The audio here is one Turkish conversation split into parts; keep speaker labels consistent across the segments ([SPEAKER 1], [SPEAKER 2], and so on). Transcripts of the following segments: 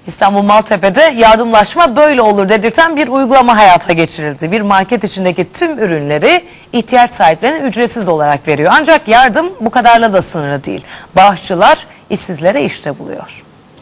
[SPEAKER 1] İstanbul Maltepe'de yardımlaşma böyle olur dedirten bir uygulama hayata geçirildi. Bir market içindeki tüm ürünleri ihtiyaç sahiplerine ücretsiz olarak veriyor. Ancak yardım bu kadarla da sınırlı değil. Bağışçılar işsizlere işte buluyor.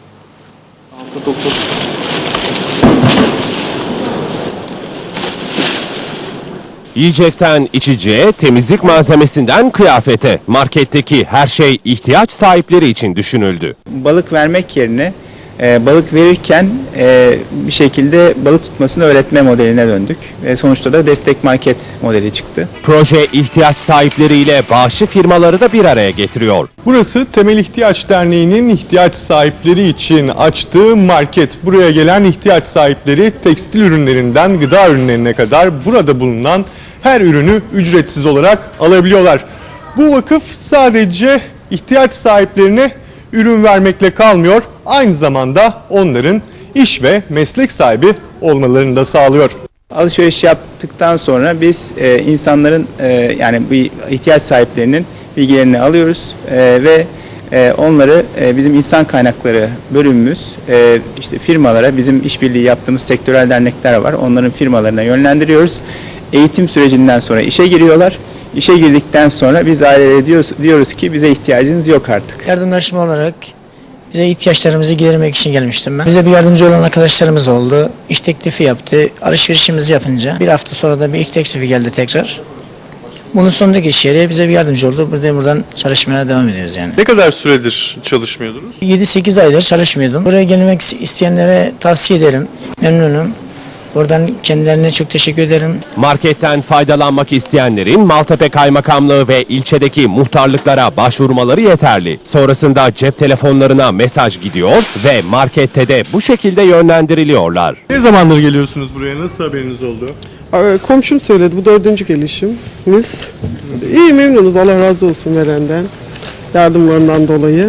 [SPEAKER 2] Yiyecekten içeceğe, temizlik malzemesinden kıyafete, marketteki her şey ihtiyaç sahipleri için düşünüldü.
[SPEAKER 3] Balık vermek yerine balık verirken bir şekilde balık tutmasını öğretme modeline döndük. Ve sonuçta da destek market modeli çıktı.
[SPEAKER 2] Proje ihtiyaç sahipleriyle bağışçı firmaları da bir araya getiriyor.
[SPEAKER 4] Burası Temel İhtiyaç Derneği'nin ihtiyaç sahipleri için açtığı market. Buraya gelen ihtiyaç sahipleri tekstil ürünlerinden gıda ürünlerine kadar burada bulunan her ürünü ücretsiz olarak alabiliyorlar. Bu vakıf sadece ihtiyaç sahiplerine ürün vermekle kalmıyor, aynı zamanda onların iş ve meslek sahibi olmalarını da sağlıyor.
[SPEAKER 3] Alışveriş yaptıktan sonra biz insanların yani bu ihtiyaç sahiplerinin bilgilerini alıyoruz ve onları bizim insan kaynakları bölümümüz işte firmalara, bizim işbirliği yaptığımız sektörel dernekler var, onların firmalarına yönlendiriyoruz. Eğitim sürecinden sonra işe giriyorlar. İşe girdikten sonra biz ailelere diyoruz ki bize ihtiyacınız yok artık.
[SPEAKER 5] Yardımlaşma olarak bize ihtiyaçlarımızı gidermek için gelmiştim ben. Bize bir yardımcı olan arkadaşlarımız oldu. İş teklifi yaptı. Alışverişimizi yapınca bir hafta sonra da bir ilk teklifi geldi tekrar. Bunun sonundaki iş yeri bize bir yardımcı oldu. Buradan çalışmaya devam ediyoruz yani.
[SPEAKER 4] Ne kadar süredir çalışmıyordunuz?
[SPEAKER 5] 7-8 aydır çalışmıyordum. Buraya gelmek isteyenlere tavsiye ederim. Memnunum. Buradan kendilerine çok teşekkür ederim.
[SPEAKER 2] Marketten faydalanmak isteyenlerin Maltepe Kaymakamlığı ve ilçedeki muhtarlıklara başvurmaları yeterli. Sonrasında cep telefonlarına mesaj gidiyor ve markette de bu şekilde yönlendiriliyorlar.
[SPEAKER 4] Ne zamandır geliyorsunuz buraya? Nasıl haberiniz oldu?
[SPEAKER 6] Komşum söyledi, bu 4. gelişimiz. İyi, memnunuz, Allah razı olsun verenden, yardımlarından dolayı.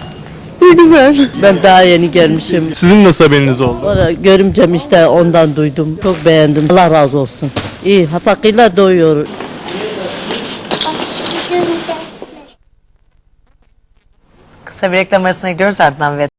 [SPEAKER 6] İyi, güzel.
[SPEAKER 7] Ben daha yeni gelmişim.
[SPEAKER 4] Sizin nasıl haberiniz oldu?
[SPEAKER 7] Orada görümcem işte ondan duydum. Çok beğendim. Allah razı olsun. İyi, hatakıyla doyuyor.
[SPEAKER 1] Kısa bir reklam arasına gidiyoruz, ardından ve